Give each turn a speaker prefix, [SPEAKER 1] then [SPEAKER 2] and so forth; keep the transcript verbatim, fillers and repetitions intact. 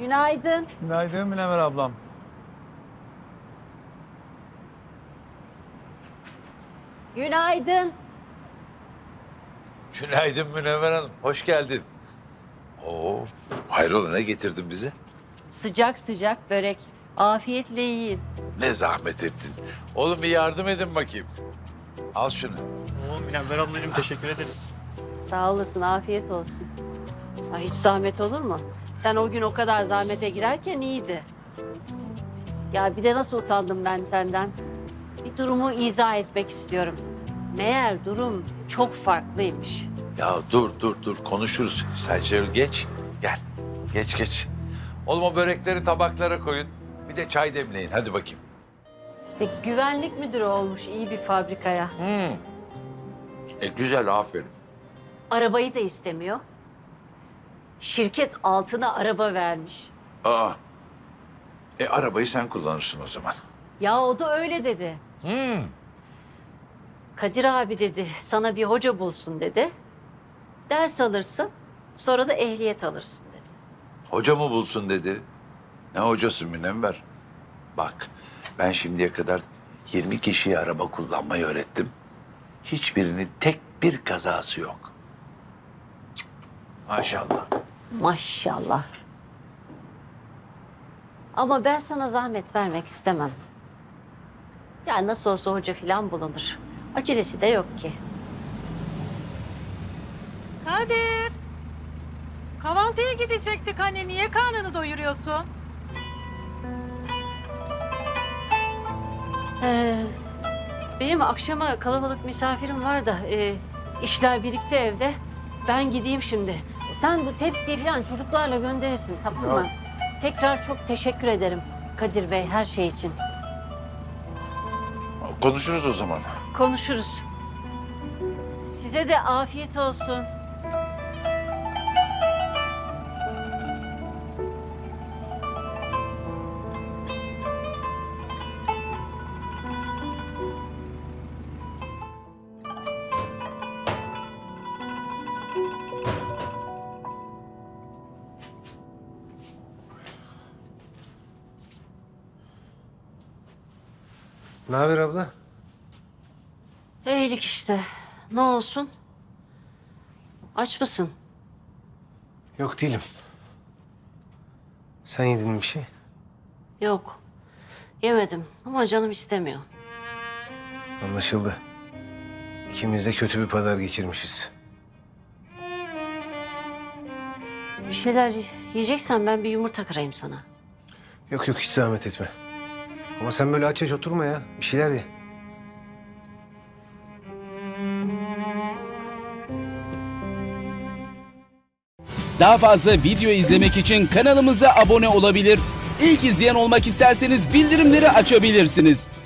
[SPEAKER 1] Günaydın.
[SPEAKER 2] Günaydın Münevver ablam.
[SPEAKER 1] Günaydın.
[SPEAKER 3] Günaydın Münevver Hanım, hoş geldin. Oo, hayrola ne getirdin bize?
[SPEAKER 1] Sıcak sıcak börek. Afiyetle yiyin.
[SPEAKER 3] Ne zahmet ettin. Oğlum bir yardım edin bakayım. Al şunu.
[SPEAKER 2] Oo Münevver ablacığım teşekkür ederiz.
[SPEAKER 1] Sağ olasın, afiyet olsun. Ay, hiç zahmet olur mu? Sen o gün o kadar zahmete girerken iyiydi. Ya bir de nasıl utandım ben senden. Bir durumu izah etmek istiyorum. Meğer durum çok farklıymış.
[SPEAKER 3] Ya dur dur dur konuşuruz. Sen şöyle geç. Gel. Geç geç. Oğlum o börekleri tabaklara koyun. Bir de çay demleyin hadi bakayım.
[SPEAKER 1] İşte güvenlik müdürü olmuş iyi bir fabrikaya.
[SPEAKER 3] Hmm. E güzel aferin.
[SPEAKER 1] Arabayı da istemiyor. Şirket altına araba vermiş.
[SPEAKER 3] Aa. E arabayı sen kullanırsın o zaman.
[SPEAKER 1] Ya o da öyle dedi.
[SPEAKER 3] Hmm.
[SPEAKER 1] Kadir abi dedi, sana bir hoca bulsun dedi. Ders alırsın, sonra da ehliyet alırsın dedi.
[SPEAKER 3] Hoca mı bulsun dedi. Ne hocası Münevver? Bak ben şimdiye kadar yirmi kişiye araba kullanmayı öğrettim. Hiçbirinin tek bir kazası yok. Cık, maşallah.
[SPEAKER 1] Maşallah. Ama ben sana zahmet vermek istemem. Ya nasıl olsa hoca falan bulunur. Acelesi de yok ki.
[SPEAKER 4] Kadir. Kahvaltıya gidecektik anne. Niye karnını doyuruyorsun?
[SPEAKER 1] Ee, benim akşama kalabalık misafirim var da e, işler birikti evde. Ben gideyim şimdi. Sen bu tepsiyi falan çocuklarla gönderirsin, tamam mı? Tekrar çok teşekkür ederim Kadir Bey her şey için.
[SPEAKER 3] Konuşuruz o zaman.
[SPEAKER 1] Konuşuruz. Size de afiyet olsun.
[SPEAKER 5] Ne haber abla?
[SPEAKER 1] İyilik işte. Ne olsun? Aç mısın?
[SPEAKER 5] Yok değilim. Sen yedin mi bir şey?
[SPEAKER 1] Yok. Yemedim ama canım istemiyor.
[SPEAKER 5] Anlaşıldı. İkimiz de kötü bir pazar geçirmişiz.
[SPEAKER 1] Bir şeyler yiyeceksen ben bir yumurta kırayım sana.
[SPEAKER 5] Yok yok hiç zahmet etme. Ama sen böyle aç aç oturma ya. Bir şeyler ye.
[SPEAKER 6] Daha fazla video izlemek için kanalımıza abone olabilir. İlk izleyen olmak isterseniz bildirimleri açabilirsiniz.